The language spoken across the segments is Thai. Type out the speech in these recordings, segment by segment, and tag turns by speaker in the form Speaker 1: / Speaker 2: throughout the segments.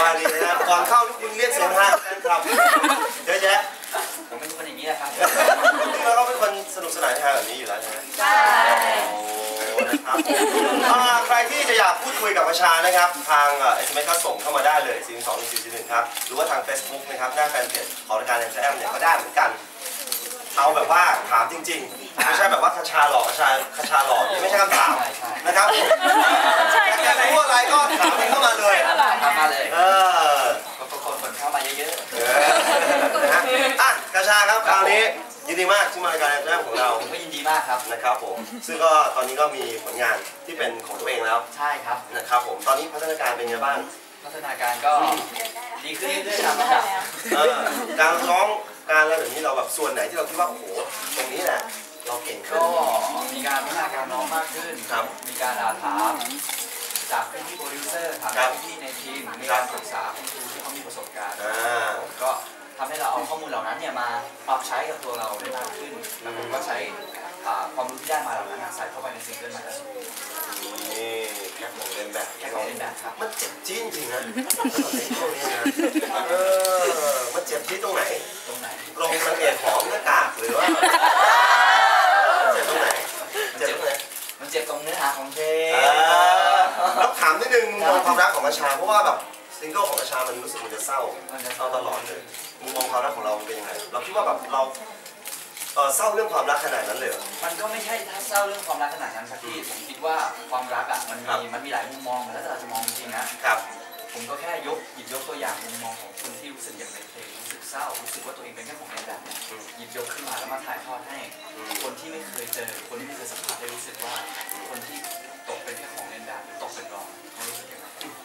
Speaker 1: ายดีนะก่อนเข้าคุณเรียกเสียงฮาแฟนคลับเยอะแยะ
Speaker 2: ผมเป็นคนอย่างนี้แหละครับ
Speaker 1: นี่เราก็เป็นคนสนุกสนานฮาแบบนี้อยู่แล้วใช่ไหม
Speaker 3: ใช่
Speaker 1: โอ้นะครับใครที่จะอยากพูดคุยกับประชานะครับทางSMS ก็ส่งเข้ามาได้เลย421ครับหรือว่าทาง Facebook นะครับหน้าแฟนเพจของรายการแอมเนี่ยก็ได้เหมือนกันเอาแบบว่าถามจริงๆไม่ใช่แบบว่าคชาหลอกคชาหลอกไม่ใช่คำถามนะครับอยากจะพูดอะไรก็ถามเข้ามาเลย
Speaker 2: ถามมาเลยคนเข้ามาเยอะ
Speaker 1: ๆนะอ่ะคชาครับคราวนี้ยินดีมากที่มารายการแรกของเรา
Speaker 2: ผมก็ยินดีมากครับ
Speaker 1: นะครับผมซึ่งก็ตอนนี้ก็มีผลงานที่เป็นของตัวเองแล้ว
Speaker 2: ใช่ครับ
Speaker 1: นะครับผมตอนนี้พัฒนาการเป็นไงบ้าง
Speaker 2: พัฒนาการก็ดีขึ้นเรื่อยๆตามลำดับ
Speaker 1: การร้องการอะไรแบบนี้เราแบบส่วนไหนที่เราคิดว่าโอ้โหตรงนี้แหละเราเก่งขึ้น
Speaker 2: ก็มีการพัฒนาการร้องมากขึ้น
Speaker 1: ครับ
Speaker 2: มีการถามจากพี่โปรดิวเซอร์ถามพี่ในทีมมีการปรึกษาคุณครูที่เขามีประสบการณ์ก็ทำให้เราเอาข้อมูลเหล่านั้นเนี่ยมาปรับใช้กับตัวเราได้มากขึ้นแล้วผมก็ใช้ความรู้ที่ได้มาเหล่านั้นใส่เข้าไปในซิงเกิลใหม่ล่าสุด
Speaker 1: นี่แค่ของเล่นแบบ
Speaker 2: ครับ
Speaker 1: มันเจ็บจี๊ดจริงนะตรงนี้นะมันเจ็บจี๊ดตรงไหนลงมันเอ็ดหอมหน้ากากหรือว่าเจ็บตรงไหน
Speaker 2: มันเจ็บตรงเนื้อหาของเพลง
Speaker 1: แล้วถามนิดนึงมุมมองความรักของประชาเพราะว่าแบบซิงเกิลของประชามันรู้สึกมันจะเศร้าตลอดเลยมุมมองความรักของเราเป็นยังไงเราคิดว่าแบบเราเศร้าเรื่องความรักขนาดนั้นเลย
Speaker 2: มันก็ไม่ใช่ถ้าเศร้าเรื่องความรักขนาดนั้นครับพี่ผมคิดว่าความรักอ่ะมันมีหลายมุมมองแล้วแต่เราจะมองจริงนะครับผมก็แค่หยิบยกตัวอย่างมุมมองของคนที่รู้สึกอย่างในเพลงรู้สึกเศร้ารู้สึกว่าตัวเองเป็นแค่ของในแบบเนี่ยหยิบยกขึ้นมาแล้วมาถ่ายทอดให้คนที่ไม่เคยเจอคนที่ไม่เคยสัมผัสได้รู้สึกว่าคนที่ตกเป็นแค่ของในแบบหรือตกเป็นรองเขารู้สึกยังไง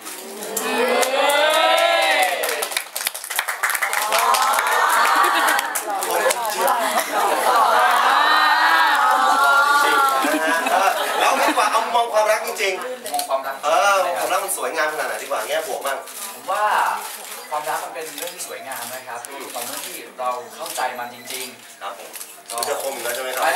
Speaker 1: แล้วดีกว่าเอามองความรักจริง
Speaker 2: ๆมองความรัก
Speaker 1: ความรักมันสวยงามขนาดไหนดีกว่าแง่บวกบ้าง
Speaker 2: ผมว่าความรักมันเป็นเรื่องที่สวยงามนะครับตอนที่เราเข้าใจมันจริง
Speaker 1: ๆครับผมจะคมอยู่แล้วใช่ไหมครับ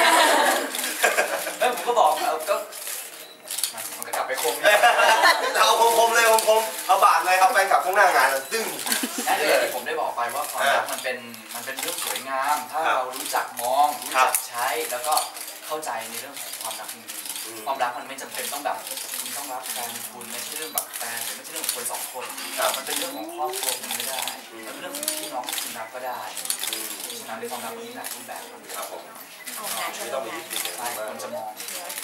Speaker 2: แล้วผมก็บอกก็มันก็กลับไปคม
Speaker 1: เราคมเลยคมเอาบาดเลยเอาแฟนกลับข้างหน้างานตึ้ง
Speaker 2: นั่นเองที่ผมได้บอกไปว่าความรักมันเป็นเรื่องสวยงามถ้าเรารู้จักมองรู้จักใช้แล้วก็เข้าใจในเรื่องของความรักจริงๆความรักมันไม่จำเป็นต้องแบบคุณต้องรักแฟนคุณไม่ใช่เรื่องแบบแฟนหรือไม่ใช่เรื่องของคนสองคนมันเป็นเรื่องของครอบครัวคุณก็ได้มันเป็นเรื่องของพี่น้องที่คุณรักก็ได้ฉะนั้นในความรักมันมีหลายรูปแบบ
Speaker 1: ครับผมไม่ต้องมียึดติด
Speaker 2: ใช่คนจะมอง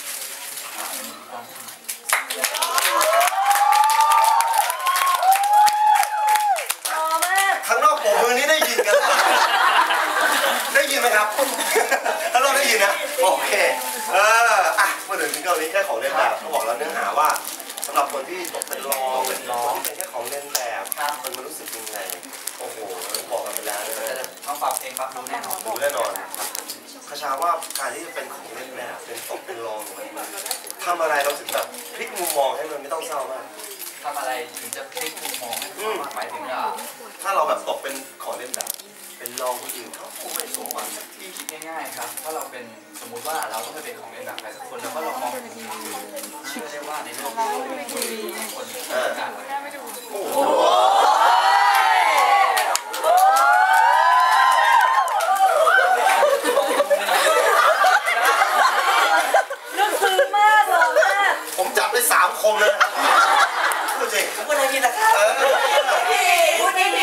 Speaker 1: ข้างนอกผมมือนี้ได้ยินกันได้ยินไหมครับถ้าเราได้ยินนะโอเคเมื่อถึงซิงเกิลนี้แค่ของเล่นแบบเขาบอกแล้วเนื้อหาว่าสำหรับคนที่ตกเป็นรองที่เป็นแค่ของเล่นแบบมันรู้สึกยังไงโอ้โหบอกกันไปแล้วนะ
Speaker 2: ต้องปรับเองปรับรู้แน่นอน
Speaker 1: คชาว่าการที่จะเป็นของเล่นแบบเป็นตกเป็นรองมันทำอะไรเราถึงแบบพลิกมุมมองให้มันไม่ต้องเศร้ามาก
Speaker 2: ทำอะไรถึงจะพลิกมุมมองหมายถึง
Speaker 1: ถ้าเราแบบตกเป็นของเล่นแบบเป็นรองคนอื่นเขาคงไม่สมหวัง
Speaker 2: ที่คิดง่ายๆครับถ้าเราเป็นสมมุติว่าเราต้องไปเป็นของเล่นแบบใครสักคนแล้วก็ลองมองเชื่อได้ว่าในโลกนี้มีคนต้องการอะไร
Speaker 1: ผมจับไป3 คมเลยพูดจริง
Speaker 2: พูดอะไรดีนะครับพูดดี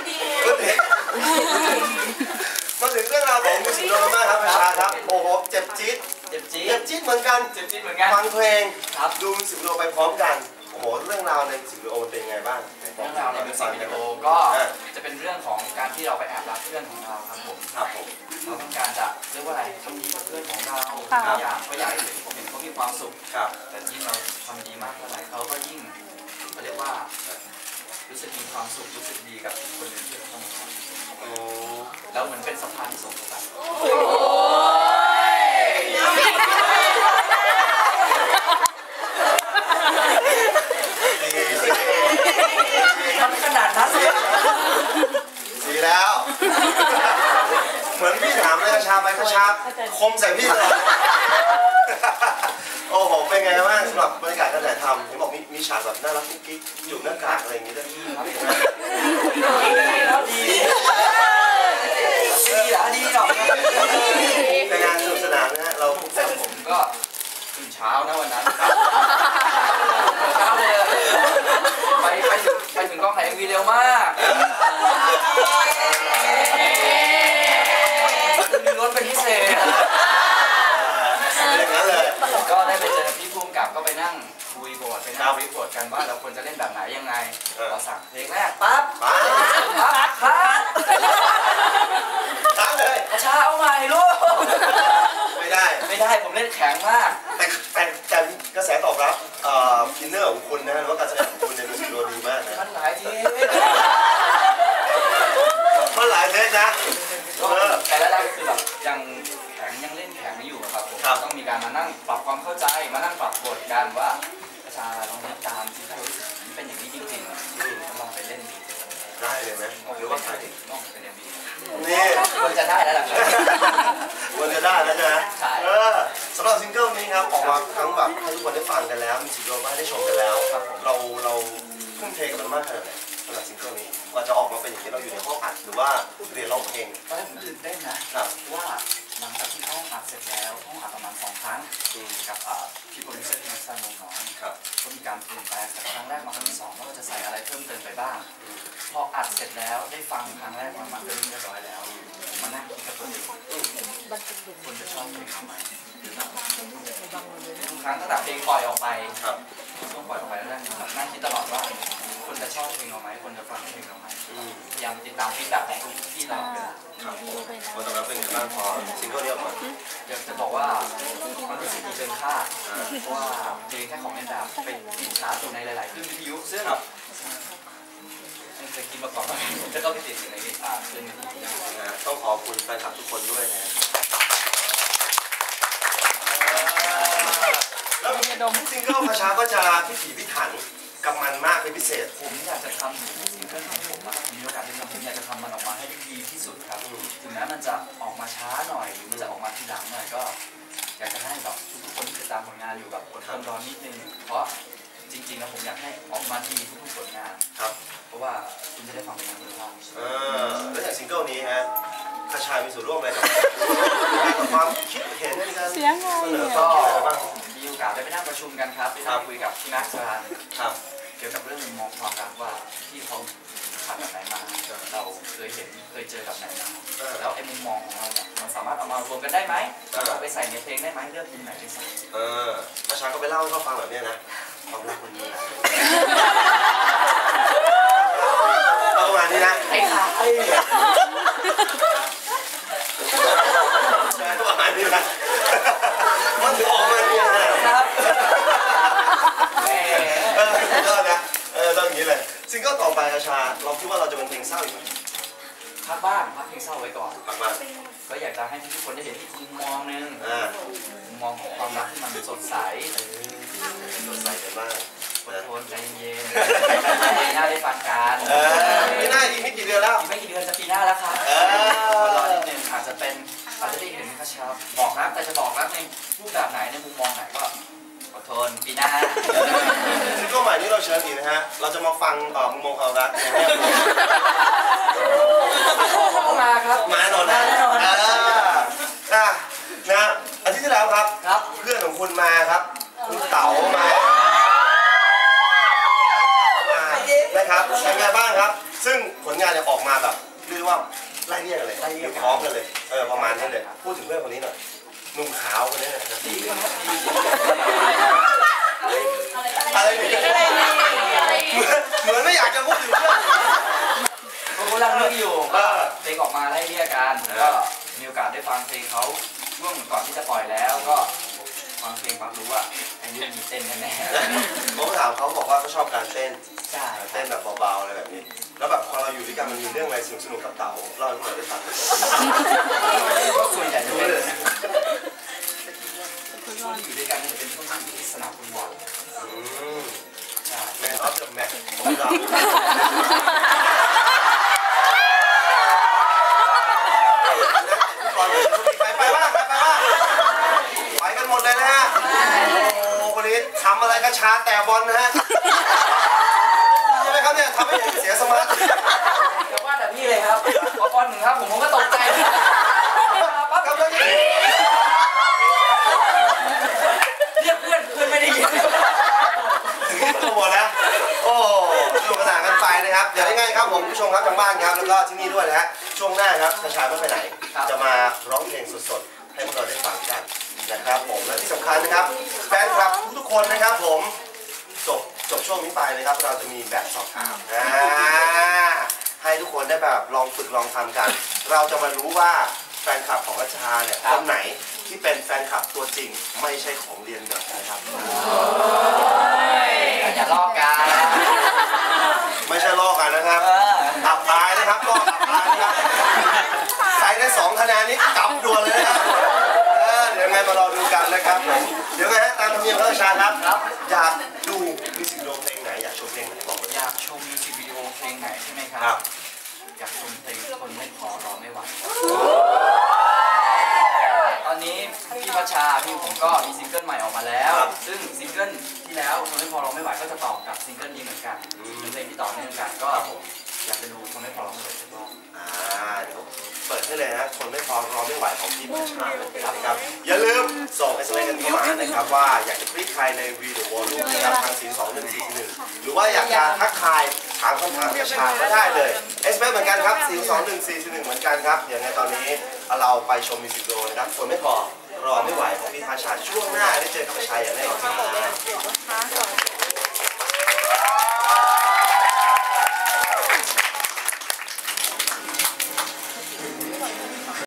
Speaker 1: มาถึงเรื่องราวของมิวสิกวิดีโอมากครับประชาครับโอ้โหเจ็บจี๊ดเหมือนกันฟังเพลงดูมิวสิกวิดีโอไปพร้อมกันโอ้โหเรื่องราวในมิวสิกวิดีโอเป็นไงบ้าง
Speaker 2: เรื่องราวในมิวสิกวิดีโอก็จะเป็นเรื่องของการที่เราไปแอบรักเพื่อนของเราครับผมเราต้องการจะเรียกว่าอะไรทำดีกับเพื่อนของเราเขาอยากให้ผมเห็นเขามีความสุขแต่ยิ่งเราทำดีมากเท่าไหร่เขาก็ยิ่งเขาเรียกว่ารู้สึกมีความสุขรู้สึกดีกับคนอื่นที่เขาทำแล้วเหมือนเป็นสะพานที่ส่งกันขนาดนั้น
Speaker 1: สีแล้ว เหมือนพี่ถามเลยกระชาไปกระชาคมใส่พี่เลยโอ้โหเป็นไงไงบ้างสำหรับบรรยากาศการถ่ายทำเห็นบอกมีฉากแบบน่ารักกุ๊กกิ๊กอยู่หน้ากากอะไรอย่างงี้ด้วยดี
Speaker 2: หรอก
Speaker 1: ในงานสนุกสนานนะฮะเรา
Speaker 2: ผมก็ตื่นเช้านะวันนั้นเช้าเลยไปถึงกองถ่ายMVเร็วมากมีรถเป็นพิเศษ
Speaker 1: อย่างนั้นเลย
Speaker 2: ก็ได้ไปเจอพี่ภูมิกับก็ไปนั่งคุยบทไปนั่งรีบทกันว่าเราควรจะเล่นแบบไหนยังไงเราสั่งเพลงแรกปั๊บ
Speaker 1: คัดเลย
Speaker 2: กระชาเอาใหม่ลูก
Speaker 1: ไม่ได้
Speaker 2: ผมเล่นแข็งมาก
Speaker 1: แต่กระแสตอบรับอินเนอร์ของคุณนะหรือว่าการแสดงของคุณในมิวสิกวิดีโอดีมากนะ
Speaker 2: มันหลายที
Speaker 1: มันหลายเทคนะ
Speaker 2: แต่ละด้านคือแบบยังแข็งยังเล่นแข็งไม่อยู่ครับผมต้องมีการมานั่งปรับความเข้าใจมานั่งปรับบทกันว่ากระชาลองเล่นตามที่เขารู้สึกเป็นอย่างนี้จริงๆลองไปเล่นดี
Speaker 1: ได้เลยไหมหรือว่าใคร
Speaker 2: ลองไปเล่นดี
Speaker 1: นี่
Speaker 2: ควรจะได้แล้วล่ะ
Speaker 1: ควรจะได้แล้วนะสำหรับซิงเกิลนี้ครับออกมาทั้งแบบให้ทุกคนได้ฟังกันแล้วมีซิงเกิลมาได้ชมกันแล้วเราทุ่มเทกับมันมากขนาดไหนสำหรับซิงเกิลนี้ว่าจะออกมาเป็นอย่างนี้เราอยู่ในห้องอัดหรือว่าเรียนร้องเพลง
Speaker 2: ตอนแรกผมตื่นเต้นนะว่าหลังจากที่ห้องอัดเสร็จแล้วห้องอัดประมาณ2 ครั้งกับพี่โปรดิวเซอร์ที่นักแสดงน้องก็มีการเปลี่ยนแปลงจากครั้งแรกมาครั้งที่2ว่าเราจะใส่อะไรเพิ่มเติมไปบ้างพออัดเสร็จแล้วได้ฟังครั้งแรกมาเรียบร้อยแล้วมานั่งคิดกับตัวเองคนจะชอบเพลงทำไมทุกครั้งตั้งแต่เพลงปล่อยออกไปต้องปล่อยออกไปแล้วนั่งคิดตลอดว่าคนจะชอบเพลงเราไหมคนจะฟังเพลงเราไหมพยายามติดตามฟีดแบ็กของทุกที่เราเป็น
Speaker 1: คนตอบรับเป็นยังไงบ้างพอซิงเกิลนี้ออกมา
Speaker 2: อยากจะบอกว่ามันรู้สึกดีเกินคาดเพราะว่าเพลงแค่ของแอนดาเป็นติดชาร์ตอยู่ในหลายๆคลื่นวิทยุซึ่งไม่เคยคิดมาก่อนว่าจะต้องไปติดอยู่ในคลื่นวิทยุ
Speaker 1: ต้องขอบคุณแฟนคลับทุกคนด้วยนะแล้วซิงเกิลกระชาก็จะพิถีพิถันกับมันมากเป็นพิเศษ
Speaker 2: ผมอยากจะทำซิงเกิลของผมมีโอกาสได้ทำผมอยากจะทำมันออกมาให้ดีที่สุดครับถึงแม้มันจะออกมาช้าหน่อยหรือมันจะออกมาทีหลังหน่อยก็อยากจะให้แบบทุกคนที่ติดตามผลงานอยู่แบบอดทนรอนิดนึงเพราะจริงๆแล้วผมอยากให้ออกมาดีทุกผลงาน
Speaker 1: ครับ
Speaker 2: เพราะว่าคุณจะได้ฟังเพลงคุณภาพ
Speaker 1: แล้วจากซิงเกิลนี้ฮะกระชายมีส่วนร่วมอะไรกับความคิดเห็นในการเสนอก็
Speaker 2: มีโอกาสได้ไปนั่งประชุมกันครับไปนั่งคุยกับพี่นักสารเกี่ยวกับเรื่องมุมมองความรักว่าที่เขาผ่านแบบไหนมาเราเคยเห็นเคยเจอแบบไหนมาแล้วไอ้มุมมองของเราเนี่ยมันสามารถเอามารวมกันได้ไหมเอาไปใส่ในเพลงได้ไหมเลือกมุมไหนไปใส่
Speaker 1: กระชายก็ไปเล่าให้เขาฟังแบบนี้นะความรักมันมีอะไรประมาณนี้นะ
Speaker 2: ไอ้ขา
Speaker 1: ประมาณนี้นะมันถึงออกมาเนี่ยนะครับก็นะต้องอย่างนี้เลยซิงเกิลต่อไปกระชาเราคิดว่าเราจะเป็นเพลงเศร้าอีกไหม
Speaker 2: พักบ้างพักเพลงเศร้าไว้ก่อน
Speaker 1: พักบ้าง
Speaker 2: ก็อยากจะให้ทุกคนได้เห็นอีกมุมมองนึงมุมมองของความรักที่มันสดใส
Speaker 1: กันบ้าง
Speaker 2: อดทนใจเย็นปีหน้าได้ฟังกัน
Speaker 1: ปีหน้าอีกไม่กี่เดือนแล้ว
Speaker 2: อีกไม่กี่เดือนจะปีหน้าแล้วครับรอนิดนึงอาจจะได้เห็นกระชับบอกรักแต่จะบอกรักในรูปแบบไหนในมุมมองไหนก็อดทนปีหน้า
Speaker 1: ซิงเกิลใหม่นี้เราเชิญอีกนะฮะเราจะมาฟังมุมมองความรักในแง่บว
Speaker 2: กมาครับ
Speaker 1: มาหน่อยนะนะอาทิตย์ที่แล้วครับเพื่อนของคุณมาครับคุณเต๋ามานะครับเป็นไงบ้างครับซึ่งผลงานเนี่ยออกมาแบบเรียกว่าไล่เรียกเลยพร้อมกันเลยประมาณนี้เลยพูดถึงเรื่องคนนี้หน่อยหนุ่มขาวคนนี้นะครับอะไรเหมือนไม่อยากจะพูดถึงเรื่อง
Speaker 2: ผมกำลังเลือกอยู่เพลงออกมาไล่เรียกกันก็มีโอกาสได้ฟังเพลงเขาช่วงก่อนที่จะปล่อยแล้วก็ฟังเพลงฟังรู้ว่าไอ้เรื่องมีเต้นแน่
Speaker 1: ๆผมถามเขาบอกว่าเขาชอบการเต้นเต้นแบบเบาๆอะไรแบบนี้แล้วแบบพอเราอยู่ด้วยกันมันมีเรื่องอะไรสนุกๆกับเต๋าเล่าให้เราได้ฟัง
Speaker 2: ส่วนใหญ่จะเป็นช่วงที่อยู่ด้วยกันจะเป็นช่วงที่อยู่ที่สนามฟุตบอล
Speaker 1: แมนออฟเดอะแมตช์ของเราไปบ้างไปกันหมดเลยนะฮะโอ้คนนี้นี่ทำอะไรกัญชาแต่บอลนะฮะใช่ไหมครับเนี่ยทำให้เสียสมาธิ
Speaker 2: แต่ว่าแต่พี่เลยครับพอบอลหนึ่งครับผมก็ตกใจปั๊บ
Speaker 1: ครับแล้วนี่
Speaker 2: เรียกเพื่อนไม่ได้ยิน
Speaker 1: ถึงที่ตัวหมดนะโอ้สนุกสนานกันไปนะครับเดี๋ยวยังไงครับผมผู้ชมครับทางบ้านครับแล้วก็ที่นี่ด้วยนะฮะช่วงหน้าครับประชาไม่ไปไหนจะมาร้องเพลงสดๆให้พวกเราได้ฟังกันนะครับผมและที่สำคัญนะครับแฟนคลับทุกๆคนนะครับผมจบช่วงนี้ไปนะครับเราจะมีแบบสอบถามให้ทุกคนได้แบบลองฝึกลองทำกัน เราจะมารู้ว่าแฟนคลับของรัชชาเนี่ยคนไหนที่เป็นแฟนคลับตัวจริงไม่ใช่ของเรียนแบบนะครับ
Speaker 2: อย่าลอกกัน
Speaker 1: ไม่ใช่ลอกกันนะครับตับตายนะครับลอกตับตายนะครับใครได้2 คะแนนนี้กลับด่วนเลยนะครับเดี๋ยวไงมารอดูกันนะครับผมเดี๋ยวไงฮะตามธรรมเนียมรัชชาครับอยากดูมิวสิกวิดีโอเพลงไหนอยากชมเพลงไหนบอกเลย
Speaker 2: อยากชมมิวสิกวิดีโอเพลงไหนใช่ไหมครับอยากชมเพลงคนไม่พอรอไม่ไหวตอนนี้พี่พัชชาพี่ผมก็มีซิงเกิลใหม่ออกมาแล้วซึ่งซิงเกิลที่แล้วคนไม่พอรอไม่ไหวก็จะต่อกับซิงเกิลนี้เหมือนกันเป็นเพลงที่ต่อเนื่องกันก็อยากจะดูคนไม่พอรอไม่ไหวสักรอบ
Speaker 1: เดี๋ยวเปิดให้เลยนะคนไม่พอรอไม่ไหวของพี่พัชชานะครับอย่าลืมส่ง SMS กันเข้ามานะครับว่าอยากจะคลิกใครในวีดีโอรูปนะครับทาง42141หรือว่าอยากจะทักทายถามคำถามพัชชาก็ได้เลย SMS เหมือนกันครับ42141เหมือนกันครับอย่างในตอนนี้เราไปชมมิวสิกวิดีโอนะครับคนไม่พอรอไม่ไหวของพี่พัชชาช่วงหน้าได้เจอกับพัชชาอย่างแน่นอนครับ